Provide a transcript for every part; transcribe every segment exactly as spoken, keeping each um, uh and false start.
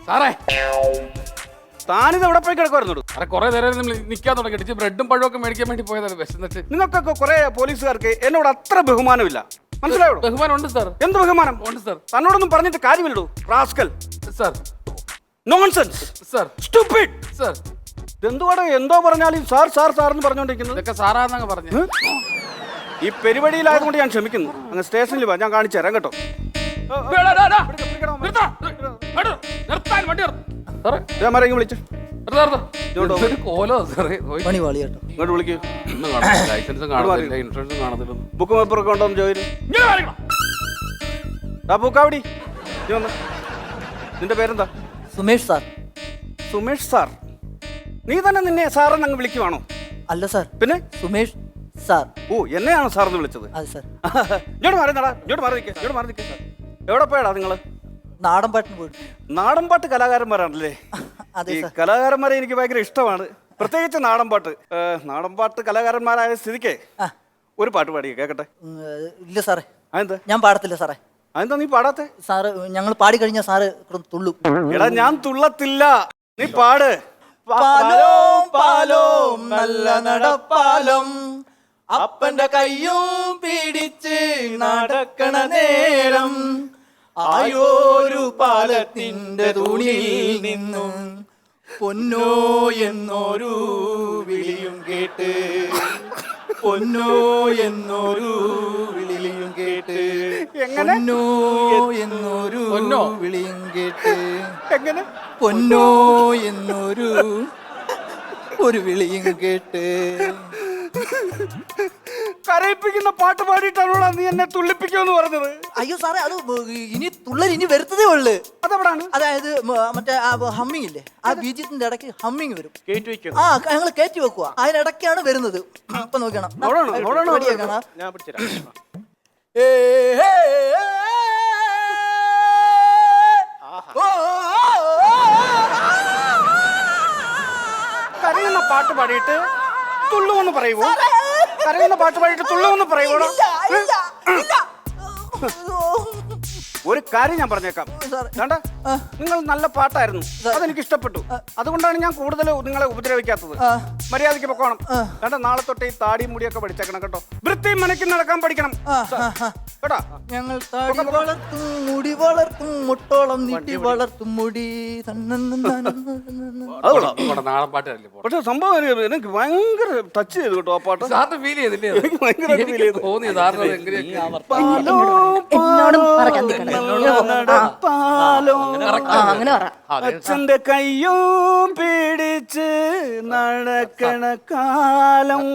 സാറേ താനിത് എവിടെ പോയി കിടക്കുമായിരുന്നു? സാറേ കുറെ നേരം നമ്മൾ നിൽക്കാൻ തുടങ്ങി ബ്രെഡും പഴമൊക്കെ മേടിക്കാൻ വേണ്ടി പോയതാണ് വിശന്നിട്ട്. നിങ്ങൾക്കൊക്കെ കുറെ പോലീസുകാർക്ക് എന്നോട് അത്ര ബഹുമാനമില്ല, മനസ്സിലായോ? ബഹുമാനം ഉണ്ട് സാർ. എന്ത് ബഹുമാനം? ഉണ്ട് സാർ. തന്നോടൊന്നും പറഞ്ഞിട്ട് കാര്യമില്ലടൂ rascal. Sir nonsense sir. Stupid sir. എന്തുവാടോ എന്തോ പറഞ്ഞാലും സാർ സാർ സാർ എന്ന് പറഞ്ഞോണ്ടിരിക്കുന്നത്. ഇതൊക്കെ സാറാന്നങ്ങ് പറഞ്ഞു. ഈ പരിപാടിയിലായതുകൊണ്ട് ഞാൻ ക്ഷമിക്കുന്നു. അങ്ങ് സ്റ്റേഷനിൽ വാ, ഞാൻ കാണിച്ചു തരാം കേട്ടോ. വിളിച്ചു ഇങ്ങോട്ട് വിളിക്കൂ. ലൈസൻസും കാണത്തില്ല, ഇൻഷുറൻസും കാണത്തില്ല, ബുക്ക് പേപ്പറൊക്കെ ഉണ്ടോന്ന് ചോദിച്ചു. പൂക്കാവടി നിന്റെ പേരെന്താ? സുമേഷ് സാർ. സുമേഷ് സാർ? നീ തന്നെ നിന്നെ സാറെന്ന് അങ്ങ് വിളിക്കുവാണോ? അല്ല സാർ, പിന്നെ സുമേഷ് സാർ. ഓ, എന്നെയാണോ സാറെന്ന് വിളിച്ചത്? അതെ സാർ. ഇങ്ങോട്ട് മാറിയടാ, ഇങ്ങോട്ട് മാറി നിൽക്കുക, ഇങ്ങോട്ട് മാറി നിൽക്കുക. എവിടെ പോയടാ നിങ്ങള്? നാടൻ പാട്ടിന് പോയിട്ട്. നാടൻ പാട്ട് കലാകാരന്മാരാണല്ലേ? ഈ കലാകാരന്മാരെ എനിക്ക് ഭയങ്കര ഇഷ്ടമാണ്, പ്രത്യേകിച്ച് നാടൻ പാട്ട്. നാടൻ പാട്ട് കലാകാരന്മാരായ സ്ഥിതിക്ക് ഒരു പാട്ട് പാടിയ കേക്കട്ടെ. ഇല്ല സാറേ. അതെന്താ? ഞാൻ പാടത്തില്ല സാറേ. അതെന്താ നീ പാടാത്തെ? സാറ് ഞങ്ങൾ പാടി കഴിഞ്ഞാൽ സാറ് തുള്ളും. എടാ ഞാൻ തുള്ളത്തില്ല, നീ പാട്. പാലോം പാലോം നല്ല നടപ്പാലം, അപ്പന്റെ കയ്യും പിടിച്ച് നടക്കണ നേരം, ആയോരു പാലത്തിന്റെ തുണിയിൽ നിന്നും പൊന്നോ എന്നൊരു വിളിയും കേട്ട്, പൊന്നോ എന്നൊരു വിളിയും കേട്ട്, പൊന്നോ എന്നൊരു വിളിയും കേട്ട്, എങ്ങനെ പൊന്നോ എന്നൊരു ഒരു വിളിയും കേട്ട്. കരയിപ്പിക്കുന്ന പാട്ട് പാടിയിട്ടാണോ നീ എന്നെ തുള്ളിപ്പിക്കുമെന്ന് പറഞ്ഞത്? അയ്യോ സാറേ, അത് ഇനി തുള്ളൽ ഇനി വരുത്തതേ ഉള്ളു. അതെവിടാണ്? അതായത് മറ്റേ ഹമ്മിങ് ഇല്ലേ, ആ ബീജത്തിന്റെ ഇടയ്ക്ക് ഹമ്മിങ് വരും. കേറ്റി വെക്കണം. ആ ഞങ്ങൾ കയറ്റി വെക്കുക, അതിനിടയ്ക്കാണ് വരുന്നത്. അപ്പൊ നോക്കണം. കരയുന്ന പാട്ട് പാടിയിട്ട് തുള്ളുമെന്ന് പറയുമോ? കരയുന്ന പാട്ട് പാടിയിട്ട് തുള്ളുമെന്ന് പറയുമോ? ഒരു കാര്യം ഞാൻ പറഞ്ഞേക്കാം, വേണ്ട, നിങ്ങൾ നല്ല പാട്ടായിരുന്നു, അതെനിക്ക് ഇഷ്ടപ്പെട്ടു. അതുകൊണ്ടാണ് ഞാൻ കൂടുതൽ നിങ്ങളെ ഉപദ്രവിക്കാത്തത്. മര്യാദയ്ക്ക് പൊക്കോണം. വേണ്ട, നാളെ തൊട്ട് ഈ താടിയും മുടിയൊക്കെ പഠിച്ചേക്കണം കേട്ടോ. വൃത്തിയും മനയ്ക്ക് നടക്കാൻ പഠിക്കണം കേട്ടോ. ഞങ്ങൾ താടി വളർത്തും, മുടി വളർത്തും, മുട്ടോളം നീട്ടി വളർത്തും മുടി. നാടൻ പാട്ടല്ലേ? പക്ഷെ സംഭവം എനിക്ക് ഭയങ്കര ടച്ച് ചെയ്തു കേട്ടോ ആ പാട്ട്. സാറിന് ഫീൽ ചെയ്തില്ലേ? എനിക്ക് ഭയങ്കരമായിട്ട് ഫീൽ ചെയ്തു. തോന്നി സാറിന് എങ്ങനെയൊക്കെ അച്ഛന്റെ കയ്യും പിടിച്ച് നടക്കണ കാലം.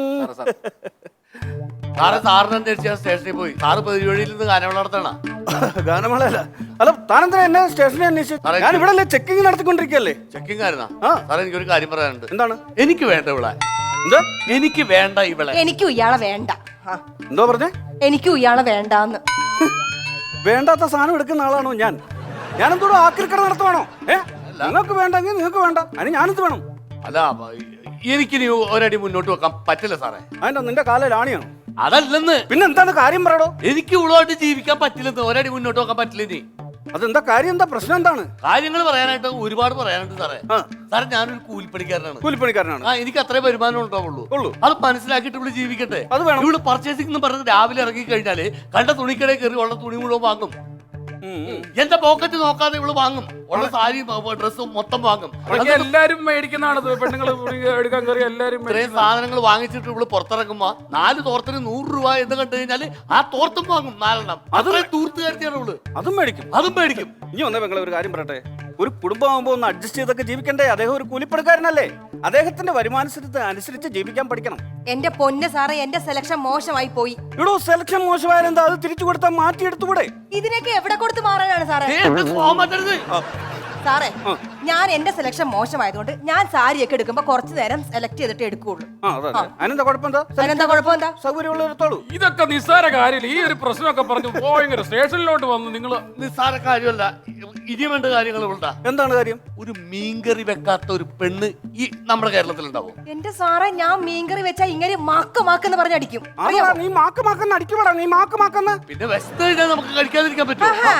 സാറ് സാറിനെ സ്റ്റേഷനിൽ പോയി. സാറ് പൊതുവഴിയിൽ നിന്ന് ഗാനമേള നടത്തണ? ഗാനമേളയല്ല. അല്ല, താനെന്താ എന്നെ സ്റ്റേഷനിൽ അന്വേഷിച്ചു? ഞാൻ ഇവിടെ ചെക്കിങ് നടത്തിക്കൊണ്ടിരിക്കല്ലേ. ചെക്കിങ് ആയിരുന്നാ? സാറേ, എനിക്കൊരു കാര്യം പറയാനുണ്ട്. എന്താണ്? എനിക്ക് വേണ്ട ഇവളെ. എന്താ? എനിക്ക് വേണ്ട ഇവളെ. എനിക്കും ഇയാളെ വേണ്ട. എന്തോ പറഞ്ഞേ? എനിക്കും ഇയാളെ വേണ്ടാന്ന്. വേണ്ടാത്ത സാധനം എടുക്കുന്ന ആളാണോ ഞാൻ? ഞാനെന്തോടും ആക്രിക്കട നടത്തുവാണോ? ഏ, നിങ്ങൾക്ക് വേണ്ടെങ്കിൽ നിങ്ങൾക്ക് വേണ്ട, അതിന് ഞാനെന്ത് വേണം? അല്ല, എനിക്കിനി ഒരടി മുന്നോട്ട് വെക്കാൻ പറ്റില്ല സാറേ. അതിന്റെ നിന്റെ കാലിൽ ആണിയാണോ? അതല്ലെന്ന്. പിന്നെ എന്താണ് കാര്യം പറയടോ? എനിക്ക് ഇവളുമായിട്ട് ജീവിക്കാൻ പറ്റില്ലെന്ന്, ഒരടി മുന്നോട്ട് വെക്കാൻ പറ്റില്ല. ഇനി അതെന്താ കാര്യം? എന്താ പ്രശ്നം? എന്താണ്? കാര്യങ്ങൾ പറയാനായിട്ട് ഒരുപാട് പറയാനുണ്ട് സാറേ. സാറേ, ഞാനൊരു കൂലിപ്പണിക്കാരനാണ്. കൂലിപ്പണിക്കാരനാണ്. ആ, എനിക്ക് അത്രേ വരുമാനം ഉണ്ടാവുള്ളൂ. അത് മനസ്സിലാക്കിയിട്ട് ഇവള് ജീവിക്കട്ടെ. അത് വേണം. ഇവള് പർച്ചേസിംഗ് എന്ന് പറഞ്ഞ് രാവിലെ ഇറങ്ങി കഴിഞ്ഞാല് കണ്ട തുണിക്കടയിൽ കയറി ഉള്ള തുണി മുഴുവൻ വാങ്ങും. എന്റെ പോക്കറ്റ് നോക്കാതെ ഇവള് വാങ്ങും. ഉള്ള സാരി ഡ്രസ്സും മൊത്തം വാങ്ങും. എല്ലാരും മേടിക്കുന്നതാണ് പെണ്ണുങ്ങൾ എടുക്കാൻ കയറി എല്ലാരും ഇത്രയും സാധനങ്ങൾ വാങ്ങിച്ചിട്ട് ഇവള് പുറത്തിറങ്ങുമ്പോ നാല് തോർത്തിന് നൂറ് രൂപ എന്ന് കണ്ടു കഴിഞ്ഞാല് ആ തോർത്തും വാങ്ങും നാലെണ്ണം. അത്രയും തൂർത്ത് കരുതിയാണ് ഇവള്. അതും മേടിക്കും. അതും മേടിക്കും. ഇനി വന്നേ പെങ്ങളെ ഒരു കാര്യം പറയട്ടെ. ഒരു കുടുംബമാകുമ്പോ ഒന്ന് അഡ്ജസ്റ്റ് ചെയ്തൊക്കെ ജീവിക്കണ്ടേ? അദ്ദേഹം ഒരു കൂലിപ്പണിക്കാരനല്ലേ? അദ്ദേഹത്തിന്റെ വരുമാനത്തിന് അനുസരിച്ച് ജീവിക്കാൻ പഠിക്കണം. എന്റെ പൊന്ന് സാറേ, എന്റെ സെലക്ഷൻ മോശമായി പോയി. ഇവിടെ സെലക്ഷൻ മോശമായാലെന്താ? അത് തിരിച്ചു കൊടുത്താൽ മാറ്റിയെടുത്തുകൂടെ? ഇതിനൊക്കെ എവിടെ കൊടുത്ത് മാറാനാണ് സാറേ? സാറേ, ഞാൻ എന്റെ സെലക്ഷൻ മോശമായതുകൊണ്ട് ഞാൻ സാരിയൊക്കെ എടുക്കുമ്പോ കുറച്ചു നേരം സെലക്ട് ചെയ്തിട്ട് എടുക്കുള്ളൂ. അതിനെന്താ കുഴപ്പമെന്താ? അതിനെന്താ കുഴപ്പമെന്താ? സൗകര്യമുള്ളത്തോളൂ. ഇതൊക്കെ നിസ്സാര കാര്യമില്ല. ഈ ഒരു പ്രശ്നമൊക്കെ പറഞ്ഞു ഭയങ്കര സ്റ്റേഷനിലോട്ട് വന്ന് നിങ്ങൾ നിസ്സാര കാര്യമല്ല. ഇനി വേണ്ട കാര്യങ്ങൾ ഉണ്ടാ. എന്താണ് കാര്യം? ഒരു മീൻകറി വെക്കാത്ത ഒരു പെണ്ണ് ഈ നമ്മുടെ കേരളത്തിൽ ഉണ്ടാവും? എന്റെ സാറേ, ഞാൻ മീൻകറി വെച്ചാ ഇങ്ങനെ മാക്ക് മാക്കെന്ന് പറഞ്ഞ് അടിക്കും. നീ മാക്ക് മാക്കെന്ന് അടിക്കുവാടാ. നീ മാക്ക് മാക്കെന്ന് പിന്നെ വെസ്റ്റ് കഴിഞ്ഞാൽ നമുക്ക് കഴിക്കാതിരിക്കാൻ പറ്റും.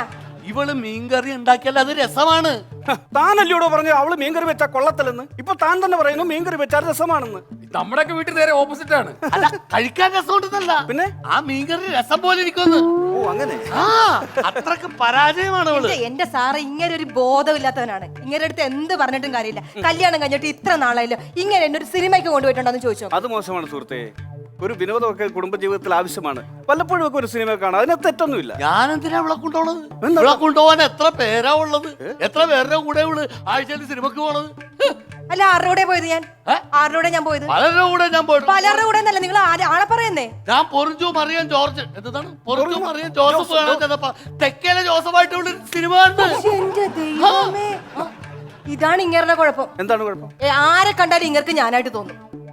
ഇവള് മീൻകറി ഉണ്ടാക്കിയാൽ അത് രസമാണ്. താനല്ലയോടോ പറഞ്ഞു അവള് മീൻകറി വെച്ചാ കൊള്ളത്തില്ലെന്ന്. ഇപ്പൊ താൻ തന്നെ പറയുന്നു മീൻകറി വെച്ചാൽ രസമാണെന്ന്. നമ്മുടെയൊക്കെ വീട്ടിൽ നേരെ ഓപ്പോസിറ്റ് ആണ്. അല്ല, കഴിക്കാൻ രസമുണ്ടെന്നല്ല, പിന്നെ ആ മീൻകറി രസം പോലെ ഇരിക്കുമെന്ന്. ഓ അങ്ങനെ. ആ അത്രക്ക് പരാജയമാണ് അവള്. എന്റെ- എന്റെ സാറ് ഇങ്ങനെ ഒരു ബോധമില്ലാത്തവനാണ്. ഇങ്ങനെ അടുത്ത് എന്ത് പറഞ്ഞിട്ടും കാര്യമില്ല. കല്യാണം കഴിഞ്ഞിട്ട് ഇത്ര നാളായല്ലോ, ഇങ്ങനെ എന്നെ ഒരു സിനിമയ്ക്ക് കൊണ്ടുപോയിട്ടുണ്ടോന്ന് ചോദിച്ചോ. അത് മോശമാണ് സുഹൃത്തെ. ഒരു വിനോദമൊക്കെ കുടുംബജീവിതത്തിൽ ആവശ്യമാണ്. വല്ലപ്പോഴും ഒക്കെ ഒരു സിനിമ കാണാം, അതിനകത്ത് തെറ്റൊന്നുമില്ല. ഞാൻ എന്തിനാ അവളെ കൊണ്ടുപോണത്? അവളെ കൊണ്ടുപോകാൻ എത്ര പേരാ ഉള്ളത്? എത്ര പേരുടെ കൂടെ ഉള്ളു ആഴ്ചയിൽ സിനിമക്ക് പോണത്? അല്ല, ആരുടെ കൂടെ പോയത് ഞാൻ? ഏ? ആരുടെ ഞാൻ പോയത്? പലരുടെ കൂടെ ഞാൻ പോയിട്ട്. പലരുടെ കൂടെ എന്നല്ല, നിങ്ങൾ ആളെ പറയുന്നേ. ഞാൻ പൊറിഞ്ചു മറിയാൻ ജോർജ് എന്താണ് പൊറിഞ്ചു മറിയാൻ ജോസഫ് കാണാൻ ചെന്നപ്പോ തെക്കേലെ ജോസഫായിട്ടുള്ള സിനിമ കണ്ട്. എന്റെ ദൈവമേ, ഇതാണ് ഇങ്ങരുടെ കുഴപ്പം. എന്താണ് കുഴപ്പം? ഏ, ആരെ കണ്ടാലും ഇങ്ങർക്ക് ഞാനായിട്ട് തോന്നും.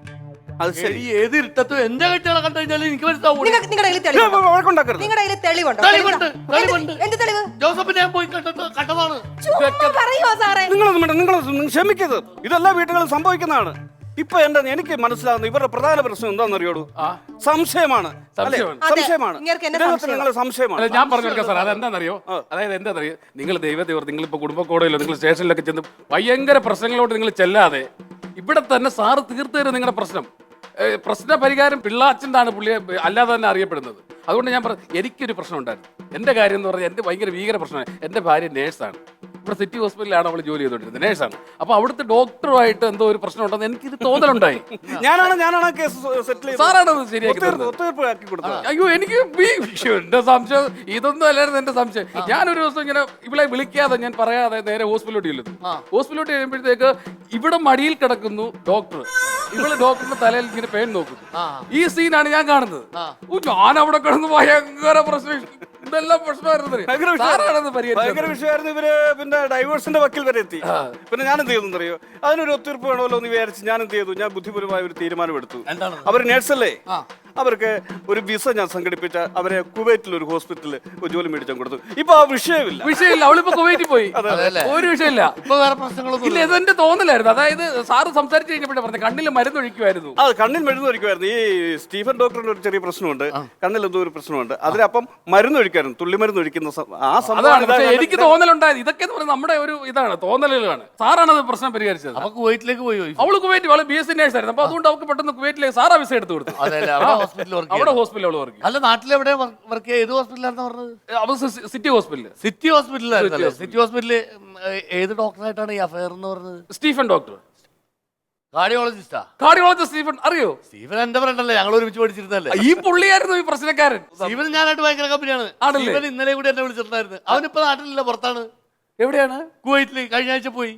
അത് ശരി. ഈ ഏത് ഇരുട്ടത്തും എന്റെ കെട്ടികളെ കണ്ടു കഴിഞ്ഞാൽ എനിക്ക് മനസ്സിലാവൂല. നിങ്ങളുടെ കയ്യിൽ തെളിവുണ്ടോ? വഴക്കുണ്ടാക്കരുത്. നിങ്ങളുടെ കയ്യിൽ തെളിവുണ്ടോ? തെളിവുണ്ട്, തെളിവുണ്ട്. എന്ത്- എന്ത് തെളിവ്? ജോസഫിനെ ഞാൻ പോയി കണ്ടിട്ട് കണ്ടതാണ്. ചുമ്മാ പറയുവോ സാറേ? നിങ്ങളൊന്നും വേണ്ട, നിങ്ങൾ ക്ഷമിക്കരുത്. ഇതെല്ലാ വീട്ടുകളിലും സംഭവിക്കുന്നതാണ്. ഇപ്പൊ എന്റെ എനിക്ക് മനസ്സിലാകുന്നു ഇവരുടെ പ്രധാന പ്രശ്നം എന്താണെന്നറിയോടൂ? സംശയമാണ്. അല്ലേ? സംശയമാണ്. അതെ, സംശയമാണ്. ഇങ്ങേർക്ക് എന്നെ ഇദ്ദേഹത്തിന് സംശയമാണ്. നിങ്ങളെ സംശയമാണ്. അല്ല, ഞാൻ പറഞ്ഞു കൊടുക്കാം സാർ, അതെന്താണെന്നറിയോ? അതായത് എന്താണെന്നറിയോ, നിങ്ങൾ ദൈവത്തെ ഓർത്ത് നിങ്ങളിപ്പോ കുടുംബക്കോടതിയിലോ നിങ്ങൾ സ്റ്റേഷനിലൊക്കെ ചെന്ന് ഭയങ്കര പ്രശ്നങ്ങളോട് നിങ്ങൾ ചെല്ലാതെ ഇവിടെ തന്നെ സാറ് തീർത്തു തരും നിങ്ങളുടെ പ്രശ്നം. ഏ, പ്രശ്ന പരിഹാരം പിള്ളാച്ചൻ്റാണ് പുള്ളിയെ അല്ലാതെ തന്നെ അറിയപ്പെടുന്നത്. അതുകൊണ്ട് ഞാൻ പറഞ്ഞു, എനിക്കൊരു പ്രശ്നം ഉണ്ടായിരുന്നു. എൻ്റെ കാര്യം എന്ന് പറഞ്ഞാൽ എൻ്റെ ഭയങ്കര ഭീകര പ്രശ്നമാണ്. എൻ്റെ ഭാര്യ നേഴ്സാണ്. ഇവിടെ സിറ്റി ഹോസ്പിറ്റലിലാണ് അവൾ ജോലി ചെയ്തുകൊണ്ടിരുന്നത്, നേഴ്സാണ്. അപ്പോൾ അവിടുത്തെ ഡോക്ടറുമായിട്ട് എന്തോ ഒരു പ്രശ്നം ഉണ്ടെന്ന് എനിക്കിത് തോന്നലുണ്ടായി. ഞാനാണ് ഞാനാണ് കേസ് സെറ്റിൽ ചെയ്തത്. സാറാണത് ശരിയാക്കി തന്നത്. ഒത്തുതീർപ്പ് ആക്കി കൊടുത്തത്. അയ്യോ, എനിക്ക് ഈ- എന്റെ സംശയം ഇതൊന്നും അല്ലായിരുന്നു എന്റെ സംശയം. ഞാനൊരു ദിവസം ഇങ്ങനെ ഇവളെ വിളിക്കാതെ ഞാൻ പറയാതെ നേരെ ഹോസ്പിറ്റലോട്ട് ചെല്ലുന്നു. ഹോസ്പിറ്റലോട്ട് കഴിയുമ്പോഴത്തേക്ക് ഇവിടെ മടിയിൽ കിടക്കുന്നു ഡോക്ടർ. ഇവള് ഡോക്ടറിന്റെ തലയിൽ ഇങ്ങനെ പേൻ നോക്കുന്നു. ഈ സീനാണ് ഞാൻ കാണുന്നത്. ഓ, ഞാൻ അവിടെ കിടന്ന് ഭയങ്കര പ്രശ്നം, ഇതെല്ലാം പ്രശ്നമായിരുന്നു. ഭയങ്കര സാറാണത് പരിഹരിച്ചത്. ഭയങ്കര വിഷയമായിരുന്നു. ഇവര് പിന്നെ ഡൈവേഴ്സിന്റെ വക്കിൽ വരെ എത്തി. പിന്നെ ഞാൻ എന്ത് ചെയ്തു അറിയോ? അതിനൊരു ഒത്തുതീർപ്പ് വേണമല്ലോ എന്ന് വിചാരിച്ച് ഞാൻ എന്ത് ചെയ്തു? ഞാൻ ബുദ്ധിപരമായ ഒരു തീരുമാനമെടുത്തു. അവർ നേഴ്സല്ലേ, അവർക്ക് ഒരു വിസ ഞാൻ സംഘടിപ്പിച്ച അവരെ കുവൈറ്റിൽ ഒരു ഹോസ്പിറ്റലിൽ ഒരു ജോലി മേടിച്ചാൽ കൊടുത്തു. ഇപ്പൊ ആ വിഷയമില്ല. വിഷയമില്ല, അവളിപ്പോ കുവൈറ്റിൽ പോയി. ഒരു വിഷയമില്ല. ഇപ്പൊ വേറെ പ്രശ്നങ്ങളൊന്നും ഇല്ല, ഇതെന്റെ തോന്നലായിരുന്നു. അതായത് സാറ് സംസാരിച്ച് കഴിഞ്ഞപ്പോഴേ പറഞ്ഞു കണ്ണിൽ മരുന്ന് ഒഴിക്കുമായിരുന്നു. അത് കണ്ണിൽ മരുന്ന് ഒഴിക്കുമായിരുന്നു. ഈ സ്റ്റീഫൻ ഡോക്ടറിന് ഒരു ചെറിയ പ്രശ്നമുണ്ട്, കണ്ണിൽ എന്തോ ഒരു പ്രശ്നമുണ്ട്. അതിലപ്പം മരുന്ന് ഒഴിക്കായിരുന്നു, തുള്ളി മരുന്ന് ഒഴിക്കുന്ന സം- ആ അതാണ്. സംഭവം പക്ഷേ എനിക്ക് തോന്നലുണ്ടായത് ഇതൊക്കെ എന്ന് പറയുന്നത് നമ്മുടെ ഒരു ഇതാണ്, തോന്നലുകളാണ്. സാറാണ് അത് പ്രശ്നം പരിഹരിച്ചത്. അപ്പൊ കുവൈറ്റിലേക്ക് പോയി പോയി. അവള് കുവൈറ്റ്, അവള് ബി എസ് സി നേഴ്സ് ആയിരുന്നു. അപ്പൊ അതുകൊണ്ട് അവൾക്ക് പെട്ടെന്ന് കുവൈറ്റിലേക്ക് സാറാ വിസ എടുത്തു കൊടുത്തു. അതെല്ലേ, അവിടെ ഹോസ്പിറ്റലിൽ വർക്ക് അവിടെ ഹോസ്പിറ്റലിൽ അവള് വർക്ക് അല്ല, നാട്ടിലെവിടെ വർക്ക് ചെയ്യുക? ഏത് ഹോസ്പിറ്റലാണെന്ന് പറഞ്ഞത്? അവൾ സിറ്റി ഹോസ്പിറ്റലിൽ. സിറ്റി ഹോസ്പിറ്റലായിരുന്നല്ലേ? സിറ്റി ഹോസ്പിറ്റലിൽ ഏത് ഡോക്ടറായിട്ടാണ് ഈ അഫയർ എന്ന് പറഞ്ഞത്? സ്റ്റീഫൻ ഡോക്ടർ, കാർഡിയോളജിസ്റ്റാ? Cardiologist Stephen. അറിയോ? സ്റ്റീവൻ എന്റെ ഫ്രണ്ട് അല്ലേ, ഞങ്ങൾ ഒരുമിച്ച് പഠിച്ചിരുന്നല്ലേ? ഈ പുള്ളിയായിരുന്നു ഈ പ്രശ്നക്കാരൻ. സ്റ്റീവൻ ഞാനായിട്ട് ഭയങ്കര കമ്പനിയാണ്. ആണല്ലേ? സ്റ്റീവൻ ഇന്നലെ കൂടി എന്നെ വിളിച്ചിട്ടുണ്ടായിരുന്നു. അവനിപ്പോ നാട്ടിലില്ല, പുറത്താണ്, എവിടെയാണ്? കുവൈറ്റില്. കഴിഞ്ഞ ആഴ്ച പോയി.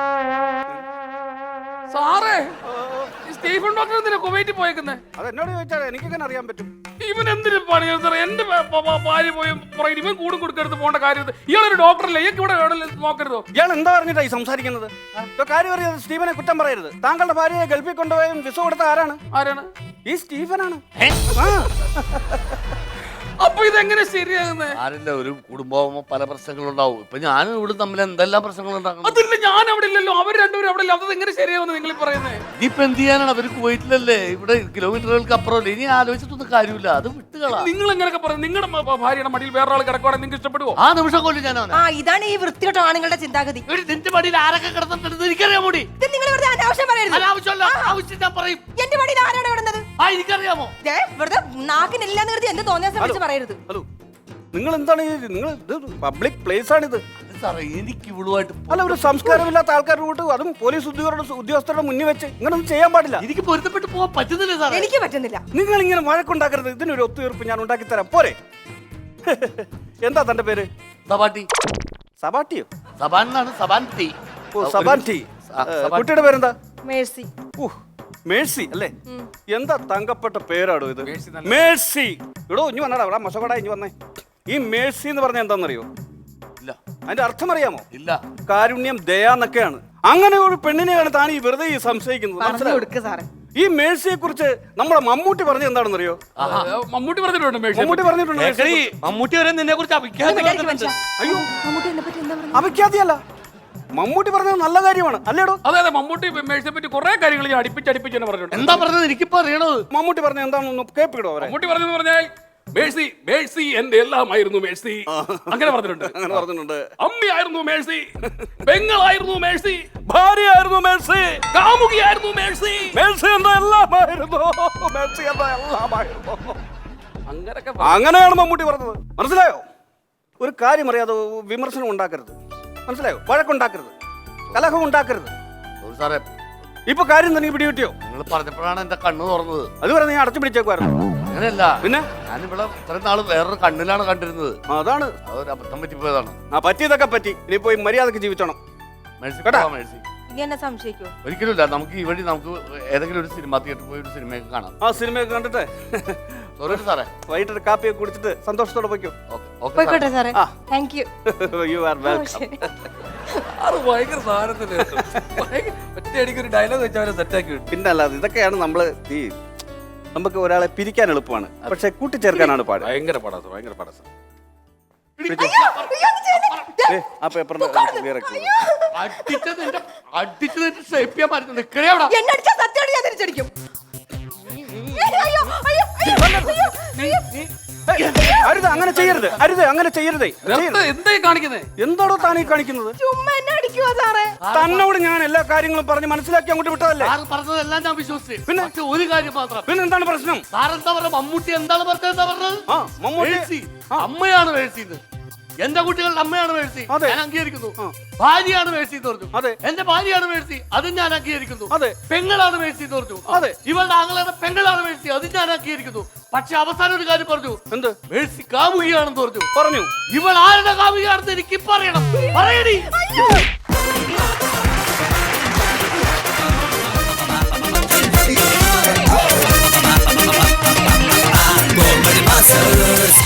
സാറേ, ഈ സ്റ്റീഫൻ ഡോക്ടർ എന്തിനാ കുവൈറ്റിൽ പോയേക്കുന്നത്? അത് എന്നോട് ചോദിച്ചാൽ എനിക്കെങ്ങനെ അറിയാൻ പറ്റും? ഇവൻ എന്തിനു പണി സാറേ? എന്റെ ഭ- ഭ- ഭാര്യ പോയി പറയും ഇവൻ കൂടും കൊടുക്കരുത് പോകേണ്ട കാര്യം. ഇയാളൊരു ഡോക്ടറല്ലേ, ഇയാൾക്ക് ഇവിടെ എവിടെയെങ്കിലും നോക്കരുതോ? ഇയാൾ എന്താ പറഞ്ഞിട്ടാ ഈ സംസാരിക്കുന്നത്? ഇപ്പൊ കാര്യം അറിയാതെ സ്റ്റീഫനെ കുറ്റം പറയരുത്. താങ്കളുടെ ഭാര്യയെ ഗൾഫിൽ കൊണ്ടുപോയും വിസ കൊടുത്ത ആരാണ്? ആരാണ്? ഈ സ്റ്റീഫനാണ്. ഏ? ആ. അപ്പൊ ഇതെങ്ങനെ ശരിയാകുന്നേ? ആരില്ല, ഒരു കുടുംബമാകുമ്പോ പല പ്രശ്നങ്ങളുണ്ടാവും. ഇപ്പൊ ഞാനും ഇവിടെ തമ്മിൽ എന്തെല്ലാം പ്രശ്നങ്ങളുണ്ടാകും. അതില്ല, ഞാൻ അവിടെ ഇല്ലല്ലോ, അവർ രണ്ടുപേരും അവിടെ ഇല്ല. അത് എങ്ങനെ ശരിയാവുന്നു നിങ്ങൾ പറയുന്നത്? ഇനിയിപ്പൊ എന്ത് ചെയ്യാനാണ്? അവര് കുവൈറ്റിലല്ലേ, ഇവിടെ കിലോമീറ്ററുകൾക്ക് അപ്പുറമല്ലേ. ഇനി ആലോചിച്ചിട്ടൊന്നും കാര്യമില്ല, അത് വിട്ടുകളാ. നിങ്ങൾ എങ്ങനെയൊക്കെ പറഞ്ഞു? നിങ്ങളുടെ മ- ഭാര്യയുടെ മടിയിൽ വേറെ ആൾ കിടക്കുവാണെങ്കിൽ നിങ്ങൾക്ക് ഇഷ്ടപ്പെടുവോ? ആ നിമിഷം കൊല്ലം ഞാൻ അവനെ. ആ, ഇതാണ് ഈ വൃത്തികെട്ട ആണുങ്ങളുടെ ചിന്താഗതി. എടി, നിന്റെ മടിയിൽ ആരൊക്കെ കിടന്നിട്ടുണ്ട് എനിക്കറിയാൻ കൂടി. ഇത് നിങ്ങൾ വെറുതെ അനാവശ്യം പറയരുത്. അനാവശ്യമല്ല, ആവശ്യം ഞാൻ പറയും. എന്റെ മടിയിൽ ആരാണ് കിടന്നത്? ആ എനിക്കറിയാമോ? ദേ, വെറുതെ നാക്കിനെല്ലാം നിർത്തി എന്ത് തോന്നിയാ ശ്രമിച്ച് പറയരുത്. ഹലോ, നിങ്ങൾ എന്താണ് ഈ നിങ്ങൾ പബ്ലിക് പ്ലേസ് ആണിത്? സാറേ, എനിക്ക് ഇവളുമായിട്ട് അല്ല, ഒരു സംസ്കാരമില്ലാത്ത ആൾക്കാരുടെ കൂട്ട്, അതും പോലീസ് ഉദ്യോഗസ്ഥരുടെ ഉദ്യോഗസ്ഥരുടെ മുന്നിൽ വെച്ച് ഇങ്ങനൊന്നും ചെയ്യാൻ പാടില്ല. എനിക്ക് പൊരുത്തപ്പെട്ട് പോകാൻ പറ്റുന്നില്ല സാറേ. എനിക്ക് പറ്റുന്നില്ല. നിങ്ങൾ ഇങ്ങനെ വഴക്കുണ്ടാക്കരുത്. ഇതിനൊരു ഒത്തുതീർപ്പ് ഞാൻ ഉണ്ടാക്കി തരാം, പോരെ? എന്താ തന്റെ പേര്? സബാട്ടി. സബാട്ടിയോ? സബാൻ എന്നാണ്, സബാൻ ടി. ഓ, സബാൻറ്റി. ആ, സബാൻ. കുട്ടിയുടെ പേരെന്താ? മേഴ്സി. ഓ, മേഴ്സി അല്ലേ? എന്താ തങ്കപ്പെട്ട പേരാടോ ഇത്? മേഴ്സി നല്ല- മേഴ്സി. എടോ, ഇനി വന്നടാ, അവിടെ മൊശകട ഇനി വന്നേ. ഈ മേഴ്സി എന്ന് പറഞ്ഞാൽ എന്താണെന്നറിയോ? ഇല്ല. അതിന്റെ അർത്ഥം അറിയാമോ? ഇല്ല. കാരുണ്യം, ദയ എന്നൊക്കെയാണ്. അങ്ങനെ ഒരു പെണ്ണിനെയാണ് താൻ ഈ വെറുതെ ഈ സംശയിക്കുന്നത്. പറഞ്ഞു മനസ്സിലായോ? കൊടുക്ക് സാറേ. ഈ മേഴ്സിയെ കുറിച്ച് നമ്മളെ മമ്മൂട്ടി പറഞ്ഞത് എന്താണെന്നറിയോ? മമ്മൂട്ടി പറഞ്ഞിട്ടുണ്ട് മേഴ്സിയെ മമ്മൂട്ടി പറ്റി. പറഞ്ഞിട്ടുണ്ട് മേഴ്സിയെ ഏക്കറി, കുറിച്ച്. മമ്മൂട്ടി വരെ നിന്നെ കുറിച്ച് ഒന്ന് വിചാരിക്ക് മനുഷ്യ. അയ്യോ, മമ്മൂട്ടി എന്നെ പറ്റി എന്താ പറഞ്ഞത്? അപഖ്യാതിയല്ല, മമ്മൂട്ടി പറഞ്ഞത് നല്ല കാര്യമാണ് അല്ലേടോ? അതെ അതെ, മമ്മൂട്ടി മേഴ്സിയെ പറ്റി കുറെ കാര്യങ്ങൾ ഞാൻ അടുപ്പിച്ച് അടുപ്പിച്ച് തന്നെ പറഞ്ഞിട്ടുണ്ട്. എന്താ പറഞ്ഞത് എനിക്കിപ്പോ അറിയണത്? മമ്മൂട്ടി പറഞ്ഞത് എന്താണെന്ന് കേൾപ്പിക്കടോ അവരെ. മമ്മൂട്ടി പറഞ്ഞെന്ന് പറഞ്ഞാൽ മേഴ്സി മേഴ്സി എന്റെ എല്ലാമായിരുന്നു മേഴ്സി അങ്ങനെ പറഞ്ഞിട്ടുണ്ട്. അങ്ങനെ പറഞ്ഞിട്ടുണ്ട്. അമ്മയായിരുന്നു മേഴ്സി, പെങ്ങളായിരുന്നു മേഴ്സി, ഭാര്യയായിരുന്നു മേഴ്സി, കാമുകിയായിരുന്നു മേഴ്സി, മേഴ്സി എന്റെ എല്ലാമായിരുന്നു, മേഴ്സി എന്റെ എല്ലാമായിരുന്നു. അങ്ങനൊക്കെ അങ്ങനെയാണ് മമ്മൂട്ടി പറഞ്ഞത്. മനസ്സിലായോ? ഒരു കാര്യം അറിയാതെ വിമർശനം ഉണ്ടാക്കരുത്. മനസ്സിലായോ? വഴക്കുണ്ടാക്കരുത്, കലഹം ഉണ്ടാക്കരുത്. സോറി സാറേ, ഇപ്പൊ കാര്യം തന്നെ പിടി കിട്ടിയോ? നിങ്ങൾ പറഞ്ഞപ്പോഴാണ് എന്റെ കണ്ണ് തുറന്നത്. അതുവരെ നീ അടച്ചു പിടിച്ചേക്കുവായിരുന്നു. അങ്ങനെയല്ല, പിന്നെ ഞാനിവിടെ ഇത്രയും നാള് വേറൊരു കണ്ണിലാണ് കണ്ടിരുന്നത്. ആ, അതാണ് അതൊരു അബദ്ധം പറ്റിപ്പോയതാണ്. ആ പറ്റിയതൊക്കെ പറ്റി. ഇനി പോയി മര്യാദക്ക് ജീവിച്ചോണം. മേഴ്സി കേട്ടാ? പോവാം, മേഴ്സി. ഇനി എന്നെ സംശയിക്കോ? ഒരിക്കലും ഇല്ല. നമുക്ക് ഈ വഴി നമുക്ക് ഏതെങ്കിലും ഒരു സിനിമ തിയേറ്ററിൽ പോയി ഒരു സിനിമയൊക്കെ കാണാം. ആ സിനിമയൊക്കെ കണ്ടിട്ട് സോറി സാറേ. വൈകിട്ട് കാപ്പിയൊക്കെ കുടിച്ചിട്ട് സന്തോഷത്തോടെ പോയിക്കോ. ഓക്കെ ഓക്കെ പോയിക്കോട്ടെ സാറേ. ആ. Thank you. You are welcome. അത് ഭയങ്കര സാധനത്തിന് ഒറ്റയടിക്ക് ഒരു ഡയലോഗ് വെച്ചവരെ സെറ്റാക്കി വിട്ടു. പിന്നെ അല്ലാതെ ഇതൊക്കെയാണ് നമ്മള് ഈ നമുക്ക് ഒരാളെ പിരിക്കാൻ എളുപ്പമാണ്, പക്ഷെ കൂട്ടിച്ചേർക്കാനാണ് പാട്. ഭയങ്കര പടാസ് ഭയങ്കര പടാസ്. ഏ, ആ പേപ്പറിന്റെ അടിച്ചത് എന്റെ അടിച്ചത് എന്റെ ഷേപ്പ് ചെയ്യാൻ പറ്റുന്നുണ്ട്. നിക്കണേ അവിടെ. എന്നെ അടിച്ചാ സത്യമായിട്ട് ഞാൻ തിരിച്ചടിക്കും. അയ്യോ, അയ്യോ, അയ്യോ, അയ്യോ, അയ്യോ. അരുത്, അങ്ങനെ ചെയ്യരുത്, അരുത്, അങ്ങനെ ചെയ്യരുതേ. ചെയ്യരുത്. എന്തായി കാണിക്കുന്നേ? എന്താണോ താനീ കാണിക്കുന്നത്? ചുമ്മാ എന്നെ അടിക്കുവാ സാറേ. തന്നോട് ഞാൻ എല്ലാ കാര്യങ്ങളും പറഞ്ഞ് മനസ്സിലാക്കി അങ്ങോട്ട് വിട്ടതല്ലേ? സാറ് പറഞ്ഞതെല്ലാം ഞാൻ വിശ്വസിച്ചു. പിന്നെ? പക്ഷെ ഒരു കാര്യം മാത്രം. പിന്നെ എന്താണ് പ്രശ്നം? സാറെന്താ പറഞ്ഞ മമ്മൂട്ടി എന്താണ് പറഞ്ഞത്? എന്താ പറഞ്ഞത്? ആ മമ്മൂട്ടി മേഴ്സി അമ്മയാണ് മേഴ്സി. എന്റെ കുട്ടികളുടെ അമ്മയാണ് മേഴ്സി, അതെ. ഞാൻ അംഗീകരിക്കുന്നു. ഭാര്യയാണ് മേഴ്സി എന്ന് പറഞ്ഞു. അതെ. എന്റെ ഭാര്യയാണ് മേഴ്സി, അതും ഞാൻ അംഗീകരിക്കുന്നു. അതെ. പെങ്ങളാണ് മേഴ്സി എന്ന് പറഞ്ഞു. അതെ. ഇവളുടെ ആങ്ങളുടെ പെങ്ങളാണ് മേഴ്സി, അതും ഞാൻ അംഗീകരിക്കുന്നു. പക്ഷെ അവസാനം ഒരു കാര്യം പറഞ്ഞു. എന്ത് മേഴ്സി കാമുകിയാണെന്ന് പറഞ്ഞു. പറഞ്ഞു? ഇവൾ ആരുടെ കാമുകിയാണെന്ന് എനിക്ക് പറയണം. പറയടി. Masters